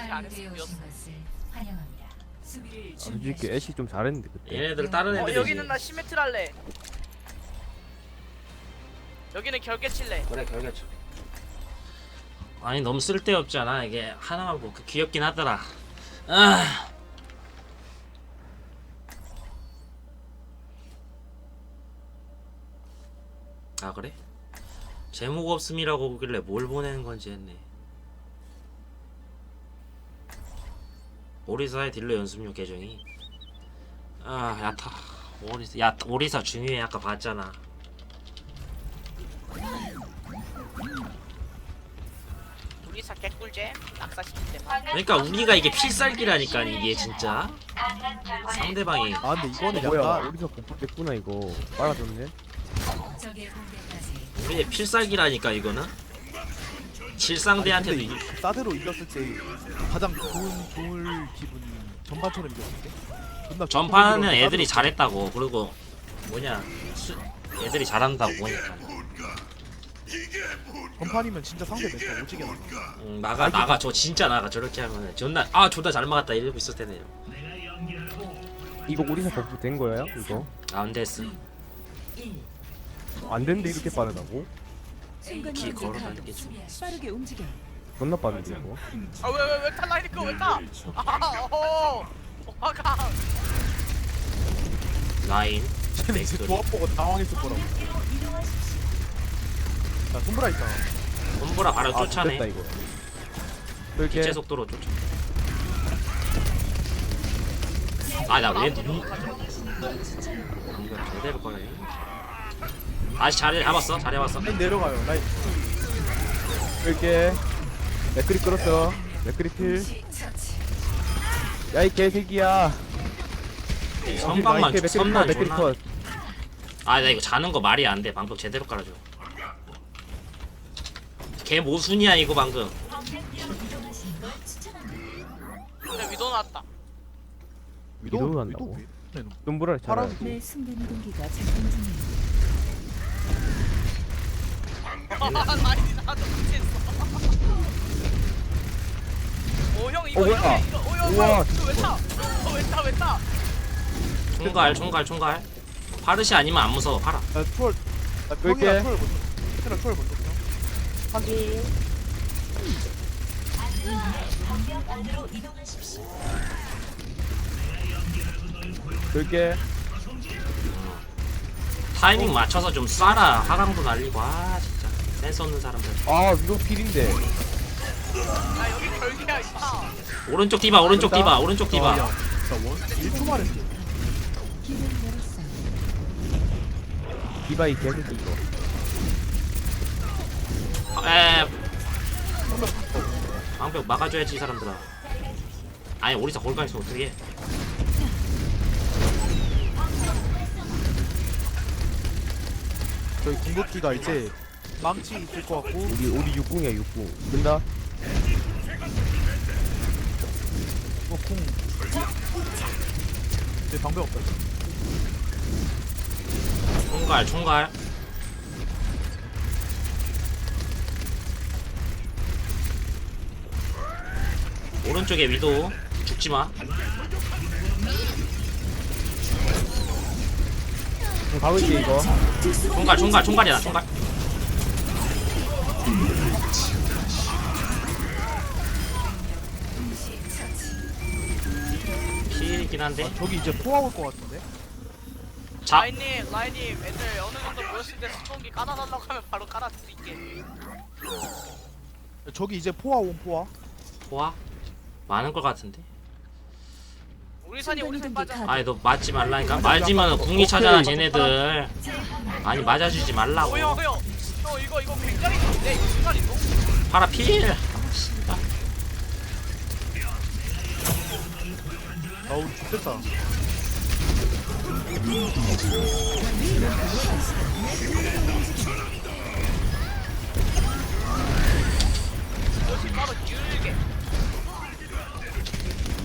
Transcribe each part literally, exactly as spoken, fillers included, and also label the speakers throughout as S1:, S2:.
S1: 안 했으면 이었어.
S2: 아, 솔직히 애쉬 좀 잘했는데 그때.
S3: 얘네들 다른
S1: 어
S3: 애들이지.
S1: 여기는 나 시메트를 할래. 여기는 결계 칠래.
S3: 그래 결계쳐. 아니 너무 쓸데없잖아 이게 하나만 보고 귀엽긴 하더라. 아. 아 그래? 제목 없음이라고 보길래 뭘 보내는 건지 했네. 오리사의 딜러 연습용 계정이. 아 야타. 오리사 야 오리사 중요해 아까 봤잖아.
S1: 우리사 개꿀잼 낙사시킬 때.
S3: 그러니까 우리가 이게 필살기라니까 이게 진짜 상대방이
S4: 아 근데 이거는
S2: 뭐야?
S4: 약간
S2: 어디서 공포됐구나 이거. 빨아줬네.
S3: 우리의 필살기라니까 이거는. 질상대한테도
S4: 근데
S3: 이기.
S4: 이- 사드로 이겼을 때 가장 좋은 좋을 기분이 전반처럼 이겼을 때. 존나
S3: 전판은
S4: 기분이
S3: 애들이
S4: 사드로-
S3: 잘했다고. 그리고 뭐냐 수, 애들이 잘한다고 보니까.
S4: 전판이면 진짜 상대 멘트 오지게 나.
S3: 음, 나가 나가 저 진짜 나가 저렇게 하면 존나 아 존나 잘 막았다 이러고 있을 때네요.
S2: 이거 오리사 버프 된 거예요? 이거?
S3: 안 됐어.
S2: 안 됐는데 이렇게 빠르다고?
S3: 기 걸어다니는 게 좀.
S5: 빠르게 움직여.
S2: 존나 빠른데 이거.
S1: 아왜왜왜 탈라이니까 왜 타? 아 어. 화가.
S3: 라인.
S4: 쟤는 이제
S3: 맥클.
S4: 조합 보고 당황했을 거라고. 자 손브라 있다.
S3: 홈브라 바로
S2: 아
S3: 쫓아내.
S2: 됐다 이거. 이렇게
S3: 기체 속도로 쫓아. 아나 왜 눈? 이거 제대로 꺼내. 다시 자리 잡았어. 자리 잡았어.
S4: 라인 내려가요. 라인.
S2: 이렇게 맥크리 끌었어. 맥크리 필. 야이 개새끼야.
S3: 선방만
S2: 맥크리 컷,
S3: 선만
S2: 맥크리
S3: 존나.
S2: 컷.
S3: 아 나 이거 자는 거 말이 안 돼. 방법 제대로 깔아줘. 개 모순이야 이거 방금.
S1: 근데 위도 나왔다.
S2: 위도우 한다고?
S4: 네,
S2: 눈보라를
S4: 파란
S2: 잘하지.
S5: 내 순간 이동기가 작동 중이야.
S1: 말이 나도 못했어. 오형 이거
S2: 어,
S1: 이거
S2: 뭐야?
S1: 이거 오형
S2: 우와,
S1: 이거 왜 타? 어왜 타? 왜 타?
S3: 총갈 총갈 총갈. 파르시 아니면 안 무서워. 팔아.
S4: 나 투월. 나
S2: 그럴게.
S4: 평이랑 투월 먼저. 페트라 투월 먼저. 그냥.
S2: 확인. 그렇게
S3: 타이밍 맞춰서 좀 쏴라. 하강도 날리고. 아 진짜 센스 없는 사람들.
S2: 아 위도 필인데.
S1: 아 여기 결계야 있다.
S3: 오른쪽 디바 오른쪽 디바 오른쪽
S4: 아,
S3: 디바.
S4: 야, 나 원. 일 초 만에.
S5: 길을 열었어.
S2: 디바이 개새끼 이거.
S3: 에. 방벽 막아줘야지 이 사람들아. 아니 오리사 골가 있어 어떻게? 해.
S4: 저희 궁극기가 이제 망치 있을 것 같고.
S2: 우리 우리 육궁이야 육궁. 된다.
S4: 이거 쿵. 내 방벽 없다.
S3: 총갈 총갈. 오른쪽에 위도 죽지 마.
S2: 좀 가볼게 이거.
S3: 총갈 총갈 총갈이야 총갈. 필이긴 한데.
S4: 저기 이제 포화 올 것 같은데.
S3: 자
S1: 라인님 라인님 애들 어느 정도 모였을 때 수총기 깔아달라고 하면 바로 깔아드릴게.
S4: 저기 이제 포화 온 포화.
S3: 포화 많은 것 같은데.
S1: 우리 산이 우리 산 빠져.
S3: 아니 너 맞지 말라니까. 맞으면 궁이 차잖아 쟤네들. 아니 맞아주지 말라고.
S1: 오형 오형. 형 이거 이거 굉장히 좋은데 이거 순간 이동.
S3: 파라 필.
S4: 아 우리 죽겠다.
S1: 여기 바로 길게.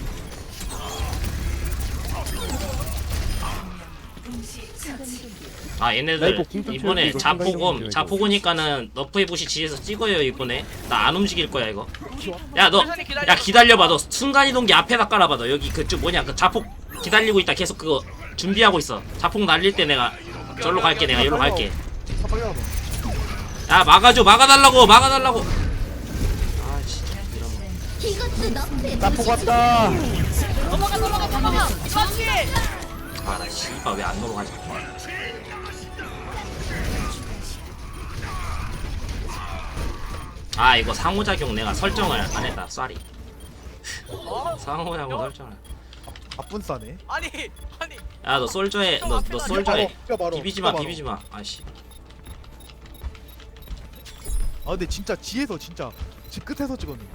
S5: 순간 이동기
S3: 아
S2: 나
S3: 얘네들
S2: 이거 궁 좀
S3: 이번에
S2: 채울게, 이거 생각 좀
S3: 자포곰
S2: 해줘,
S3: 자포고니까는 너프의 부시 지에서 찍어요 이번에. 나 안 움직일 거야 이거.
S4: 키워.
S3: 야 너
S1: 천천히 기다려.
S3: 야 기다려봐. 너 순간이동기 앞에다 깔아봐. 너 여기 그쪽 뭐냐 그 자폭 기다리고 있다. 계속 그거 준비하고 있어. 자폭 날릴 때 내가 절로 갈게. 내가 여기로 갈게.
S4: 아, 빨리 와봐.
S3: 야 막아줘. 막아달라고. 막아달라고. 아 진짜 이런.
S5: 이것도 너프의
S2: 나포 왔다.
S1: 넘어가 넘어가 넘어가. 그렇지.
S3: 아나 씨발 왜 안 넘어가지? 아 이거 상호작용 내가 설정을 안 했다. 쏘리.
S1: 어?
S3: 상호작용 설정을.
S4: 바쁜 싸네.
S1: 아니 아니.
S3: 야 너 솔저해. 너 너 솔저해.
S4: 뛰어 바로.
S3: 비비지 마.
S4: 뛰어 바로.
S3: 비비지 마. 아씨.
S4: 아 근데 진짜 지에서 진짜 지 끝에서 찍었는데.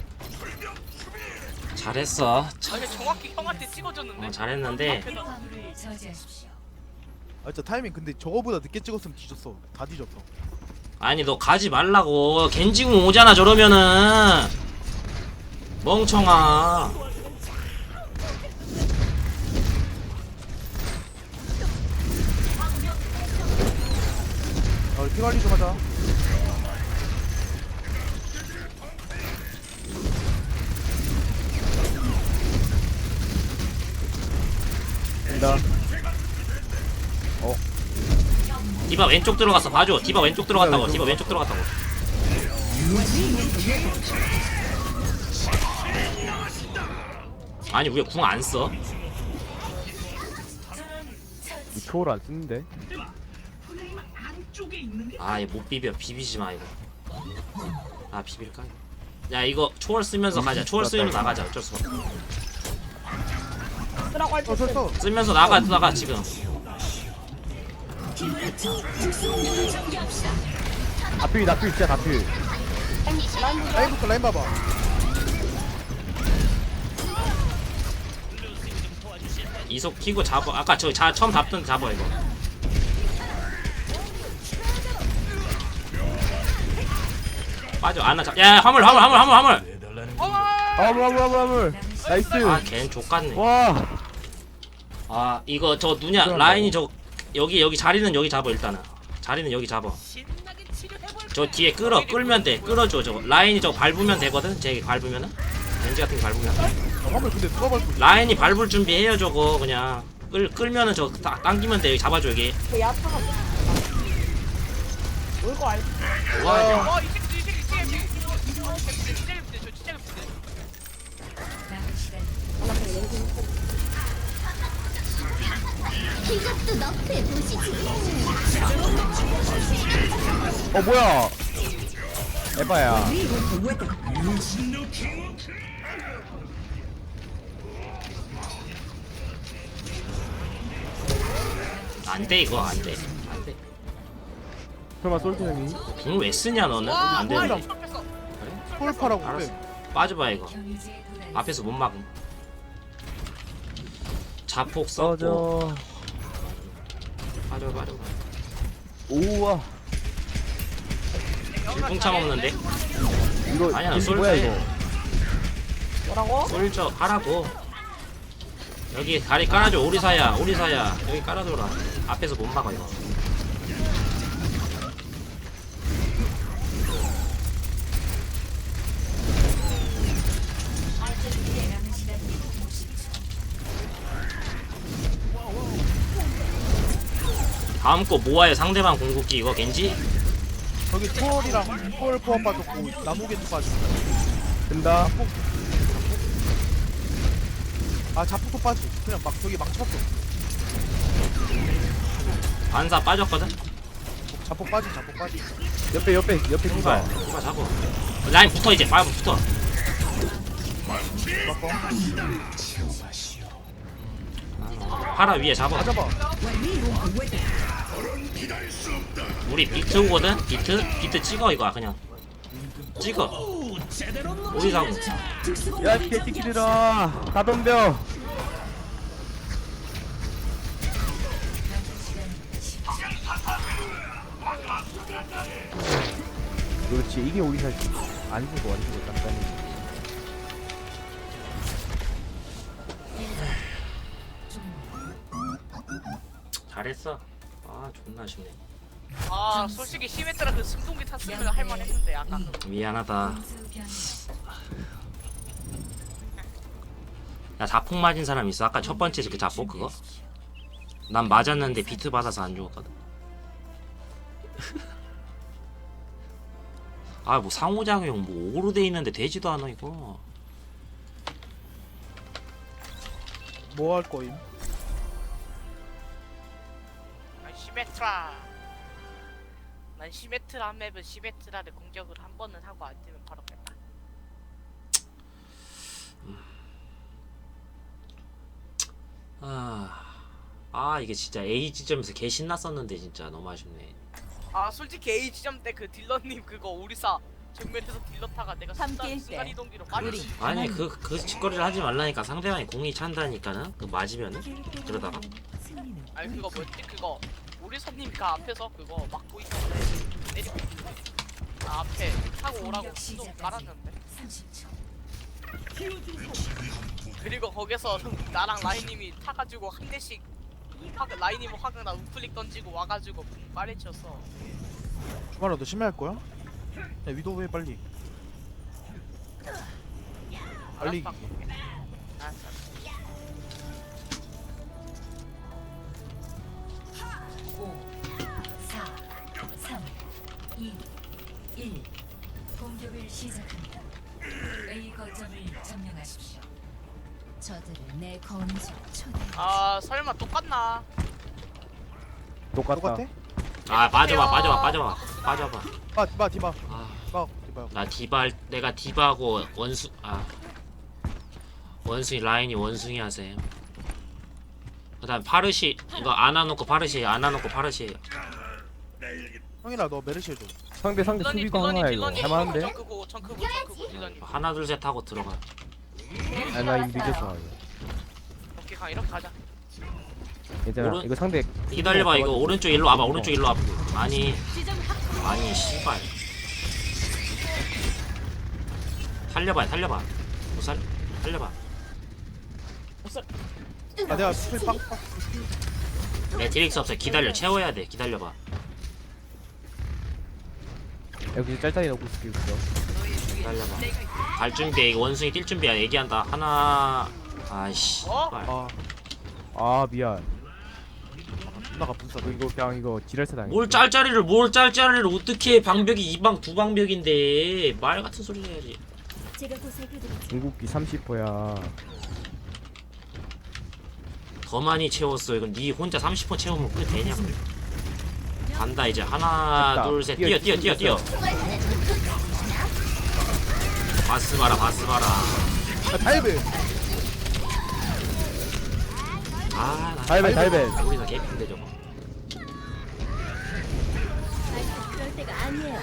S3: 잘했어.
S1: 아니 정확히 형한테 찍어줬는데.
S3: 어, 잘했는데
S5: 화물을 저지하십시오.
S4: 아 진짜 타이밍 근데 저거보다 늦게 찍었으면 뒤졌어. 다 뒤졌어.
S3: 아니 너 가지 말라고. 겐지궁 오잖아 저러면은. 멍청아.
S4: 아 피 관리 좀 하자.
S2: 된다.
S3: 디바 왼쪽 들어갔어. 봐줘. 디바 왼쪽 들어갔다고. 디바 왼쪽 들어갔다고. 아니 왜 궁 안 써?
S2: 이 초월 안 쓰는데.
S3: 아 이거 못 비벼. 비비지 마 이거. 아 비빌까? 야 이거 초월 쓰면서 가자. 초월 쓰면서 나가자. 어쩔 수 없어.
S4: 어 서.
S3: 쓰면서 나가 나가 지금.
S2: 다필 다필 진짜 다필.
S4: 라인부터 라인 봐봐.
S3: 이속 키고 잡아. 아까 저 자, 처음 잡던 잡아 이거. 빠져. 안나 잡. 야 화물 화물 화물 화물 화물.
S2: 화물 화물 화물 화물. 나이스.
S3: 아걘 족같네.
S2: 와.
S3: 아 이거 저 누냐 라인이 저 여기 여기 자리는 여기 잡아 일단은. 자리는 여기 잡아.
S1: 신나게 치료해볼.
S3: 저 뒤에 끌어 끌면 돼. 끌어줘 저거. 라인이 저거 밟으면 되거든. 제 밟으면은. 렌즈 같은 거 밟으면.
S4: 아, 화물 근데 누가 밟고 있어?
S3: 라인이 밟을 준비해요 저거 그냥. 끌 끌면은 저거 다- 당기면 돼. 여기 잡아줘 여기.
S6: 울거 알지?
S3: 와
S1: 어 이제 이제 이제 이제. 어 진짜 진짜 예쁜데 저 진짜 예쁜데.
S5: 남은 시간
S7: 이것도 너프의 도시지.
S2: 어 뭐야? 에바야.
S3: 안돼 이거 안돼 안돼.
S2: 설마 솔트 형이?
S3: 궁 왜 쓰냐 너는?
S1: 와
S3: 안
S1: 뭐야
S3: 되는데.
S1: 이거 뺐어.
S4: 폴파라고
S3: 알았어.
S4: 그래.
S3: 빠져봐 이거.
S5: 경유지에 도달했습니다.
S3: 앞에서 못 막음. 자폭
S2: 써줘.
S3: 써줘. 빠져 빠져.
S2: 오와.
S3: 질풍참 없는데?
S2: 이거
S3: 아니야,
S2: 겐지
S3: 솔트
S2: 뭐야
S3: 해.
S2: 이거?
S6: 뭐라고?
S3: 솔저 하라고. 여기 다리 깔아줘. 오리사야 오리사야. 여기 깔아줘라. 앞에서 못 막아 이거.
S5: 남은 시간 오십 초.
S3: 다음 거 모아요. 상대방 궁극기 이거 겐지?
S4: 저기 초월이랑 초월 포함 빠졌고 나무겐지 빠졌어.
S2: 된다.
S4: 아 자폭도 빠지. 그냥 막 저기 막 쳤어.
S3: 반사 빠졌거든?
S4: 자폭 빠지 자폭 빠지.
S2: 옆에 옆에 옆에
S3: 누가
S2: 누가?
S3: 누가 잡어. 라인 붙어 이제. 빨리 붙어.
S4: 바꿔.
S3: 파라 위에 잡아.
S4: 다 잡아.
S3: 우리 비트거든? 비트? 비트 찍어 이거 그냥. 찍어. 오리사고.
S2: 야 개새끼들아. 다 덤벼. 그렇지 이게 우리 살지. 안 죽어 안 죽어 딴딴히.
S3: 잘했어. 아. 아 존나 아쉽네.
S1: 아 솔직히 시메트라 그 승동기 탔으면 할만했는데 아까 그
S3: 미안하다.
S5: 공수 변경.
S3: 야 자폭 맞은 사람 있어? 아까 첫 번째 그 자폭 그거? 난 맞았는데 비트 받아서 안 죽었거든. 아 뭐 상호작용 뭐 오로 돼 있는데 되지도 않아 이거.
S4: 뭐 할 거임?
S1: 아, 시메트라. 난 시메트라 맵은 시메트라를 공격을 한 번은 하고 안 되면 바로 뺐다.
S3: 아, 아 이게 진짜 A 지점에서 개 신났었는데 진짜 너무 아쉽네.
S1: 아 솔직히 A 지점 때 그 딜러님 그거 우리사 정면에서 딜러 타가 내가 순간
S6: 함께일
S1: 순간
S6: 때
S1: 이동기로 빠르지.
S3: 아니 그 그 짓거리를 하지 말라니까. 상대방이 공이 찬다니까는 그 맞으면은 그러다가
S5: 승리는
S1: 아니 그거 뭐였지 그거 우리사님이 그 앞에서 그거 막고 있는데 내리고 있는데 아, 앞에 타고 오라고
S5: 공격
S1: 좀
S5: 시작까지
S1: 깔았는데
S5: 삼십 초.
S1: 그리고 거기서 나랑 라인님이 타가지고 한 대씩 화그 라인님은 화그나 우클릭 던지고 와가지고 붕 빠리쳤어.
S4: 주말아 너 심해 할 거야? 야 위도우 해 빨리. 빨리.
S1: 알았어, 바꿀게. 알았어.
S5: 오, 사, 삼, 이, 일. 공격을 시작합니다. A 거점을 점령하십시오. 저들을 내 검수 초대.
S1: 아 설마 똑같나?
S2: 똑같다.
S4: 똑같아?
S3: 아 빠져봐 빠져봐 빠져봐 빠져봐.
S4: 아 디바 디바
S3: 아,
S4: 디바 디바.
S3: 나 디바 할- 내가 디바하고 원수 아 원숭이 라인이 원숭이 하세요. 그다음 파르시 이거 안아놓고 파르시 안아놓고 파르시.
S4: 형이라 너 메르시 해줘.
S2: 상대 상대
S1: 딜러님
S2: 수비가 하나야
S1: 딜러님
S2: 이거.
S1: 딜러님
S2: 할만한데?
S1: 정크고 정크고 정크고 딜러님.
S3: 하나 둘 셋 하고 들어가.
S2: 아나 이미 늦었어.
S1: 오케이 강 이렇게 가자.
S2: 괜찮아.
S3: 오른-
S2: 이거 상대
S3: 기다려봐 이거 오른쪽 일로 와봐 오른쪽 일로 와봐. 아니 아니 씨발. 살려봐 살려봐. 못 살 살려봐.
S4: 아 내가 스킬 빵. 빵.
S3: 매트릭스 없어. 기다려 채워야 돼. 기다려봐.
S2: 여기 짤짤이 넣고 있을게 있어.
S3: 기다려봐. 갈 준비해. 이거 원숭이 뛸 준비야. 얘기한다. 하나 아이씨.
S1: 어?
S3: 씨발.
S4: 아
S2: 아 미안.
S4: 존나가 분싸.
S2: 이거 그냥 이거 지랄사 당해.
S3: 뭘 짤짤이를 뭘 짤짤이를 어떻게 해. 방벽이 이방 두 방벽인데 말 같은 소리를 해야지.
S5: 제가 보살펴드리죠.
S2: 궁극기 삼십 퍼야.
S3: 더 많이 채웠어. 이건 네 혼자 삼십 퍼 채우면 그게 되냐? 간다 이제. 하나
S2: 됐다.
S3: 둘 셋.
S2: 뛰어,
S3: 뛰어 뛰어 뛰어 뛰어. 바스 봐라 바스 봐라.
S4: 아 다이브.
S3: 아 나.
S2: 달벤 달벤.
S3: 우리가 개핀데 저거.
S5: 그럴 때가 아니에요.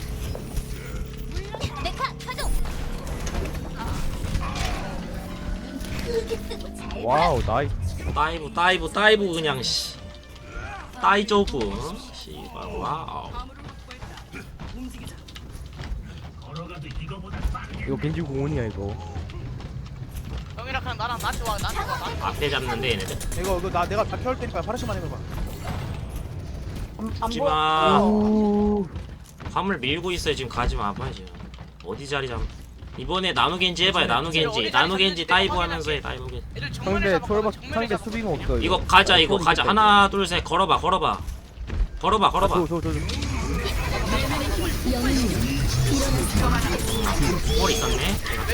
S2: 와우 나이스.
S3: 다이브 다이브 다이브 그냥 씨. 다이조브. 씨발 와우.
S2: 이거 겐지 공원이야 이거.
S1: 형이랑 그냥 나랑 나한테 와 나한테 와 나한테 와.
S3: 앞에 잡는데 얘네들.
S4: 이거 이거 나 내가 다 켜올 테니까 파르시만 해봐.
S6: 안
S3: 가지마.
S2: 오.
S3: 화물 밀고 있어요. 지금 가지마. 아파 지금. 어디 자리 잡. 이번에 나누겐지 해봐요. 나누겐지. 나누겐지 다이브 하면서 해. 다이브 겐지.
S1: 애들 정면에
S2: 상대
S1: 잡아
S2: 초월박
S1: 정면에
S2: 상대
S1: 잡아.
S2: 수비가 없어.
S3: 이거 가자. 이거 가자. 하나 둘 셋 걸어봐. 걸어봐. 걸어봐. 걸어봐.
S2: 저저저
S3: 뭘 있었네.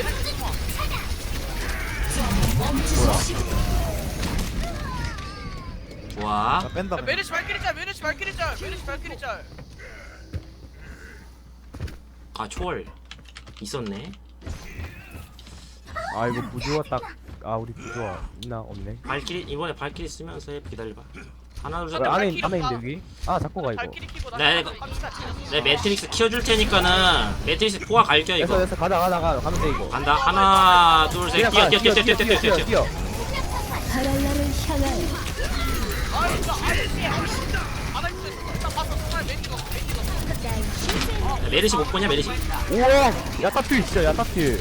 S3: 좋아.
S4: 나 뺀다.
S1: 야,
S4: 그냥.
S1: 메르시 발키리 짤 메르시 발키리 짤 메르시 발키리 짤.
S3: 아 초월 있었네.
S2: 아 이거 부조화 딱. 아 우리 부조화 있나 없네.
S3: 발키리 이번에 발키리 쓰면서 해. 기다려봐. 하나 둘 셋.
S2: 왜 안에
S1: 발키리
S2: 안에
S1: 없다.
S2: 있는데 여기? 아 잡고 가 이거.
S1: 발키리 키고 나.
S3: 네, 이거- 내 매트릭스 키워줄 테니까는 매트릭스 포화 갈겨
S2: 됐어
S3: 이거.
S2: 됐어 가자 가자 가자 가면 돼 이거.
S3: 간다. 하나 둘 셋. 뛰어 뛰어 뛰어 뛰어 뛰어 뛰어 뛰어.
S2: 뛰어.
S1: 아 이거 아저씨 아나 있어 나 봤어 정말 매니거 매니거.
S3: 메르시 못 보냐 메르시?
S2: 우와 야타필 진짜 야타필.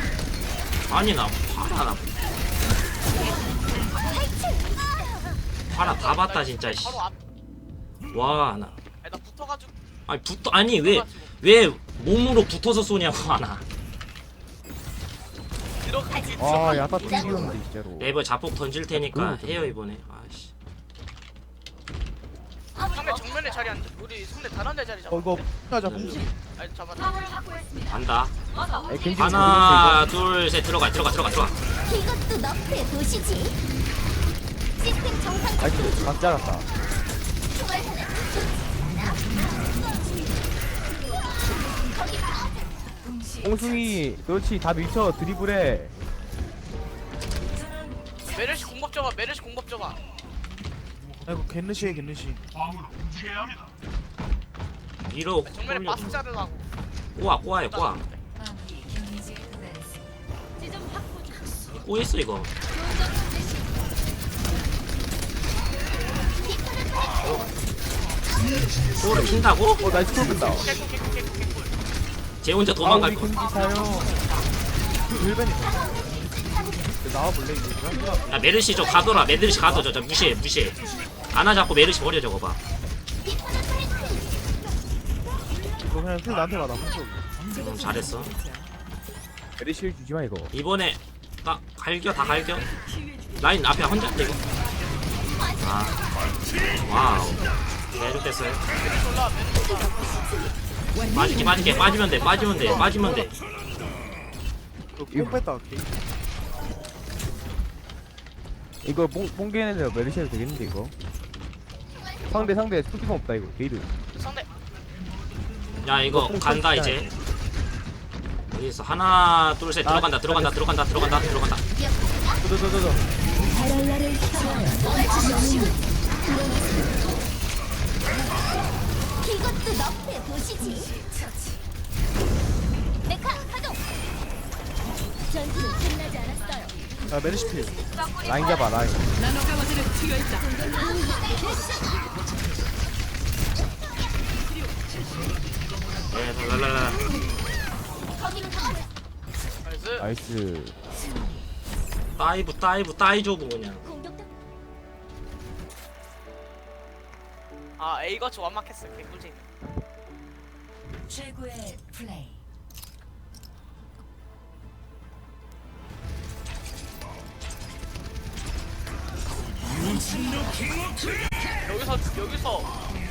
S3: 아니 나 파라 나 파라 다
S1: 나
S3: 봤다
S1: 이거
S3: 진짜. 씨.
S1: 바로 앞.
S3: 와 나.
S1: 아니, 나 붙어가지고.
S3: 아니 붙어 아니 왜
S1: 붙어가지고.
S3: 왜 몸으로 붙어서 쏘냐고 하나.
S1: 들어가기
S2: 아 야타 튕기는데 진짜로.
S3: 네이버 자폭 던질 테니까
S2: 그거
S3: 해요 이번에. 아씨.
S1: 상대 정면에 자리 앉아. 우리 상대 다른 데 자리 잡아.
S4: 어 이거 하자 봉지.
S1: 아니 잡아.
S3: 간다.
S2: 아니, 겐지
S3: 하나 둘 셋 들어가 들어가 들어가 들어가.
S5: 이것도 너프에 보시지. 시스템 정상
S2: 아이고 각 잘랐다. 뽕숭이 그렇지 다 미쳐 드리블해.
S1: 메르시 공법 줘봐. 메르시 공법 줘봐.
S4: 아이고 겟르시에 겟르시.
S3: 위로
S1: 정면에
S3: 올려.
S1: 바스 자르라고.
S3: 꼬아 꼬아요 꼬아. 꼬였어 이거. 꼬를 핀다고?
S2: 어 나이스 콜 끈다.
S1: 개꿀 개꿀 개꿀 개꿀.
S3: 쟤 혼자
S2: 아
S3: 도망갈
S2: 우리
S3: 거.
S2: 겐지 사요.
S4: 일벤이. 나와볼래 이거?
S3: 야 메르시 저 가둬라. 메르시 가둬 저, 저 무시해 무시해. 안아 잡고 메르시 버려 저거 봐.
S4: 이거 그냥 필 나한테 가나 혼자.
S3: 음, 잘했어.
S2: 메리실 주지마 이거.
S3: 이번에 딱 갈겨 다 갈겨. 라인 앞에 혼자 이거. 아 와우. 계속됐어요.
S1: 메르시 올라. 메르시 올라.
S3: 빠지게 빠지게 빠지면 돼 빠지면 돼 빠지면 돼.
S4: 이거 뺐다. 오케이.
S2: 이거 뽕 뽕개는 메리실 되겠는데 이거. 상대 상대 스피커 없다 이거 게이드.
S1: 상대.
S3: 야 이거 간다 이제. 어디 있어? 하나 둘 셋 들어간다 들어간다 들어간다 들어간다 들어간다.
S2: 저저저저.
S5: 이것도 너프에 보시지. 메카 가동. 전투는 끝나지 않았어요.
S4: 아 메르시 필.
S2: 라인 잡아 라인.
S3: 네 랄랄라.
S5: 거기는 가만히.
S1: 나이스.
S2: 나이스.
S3: 다이브 다이브 다이조브 그냥.
S5: 공격당
S1: 아 A 거치 완막했어. 개꿀잼.
S5: 최고의 플레이.
S1: 여기서 여기서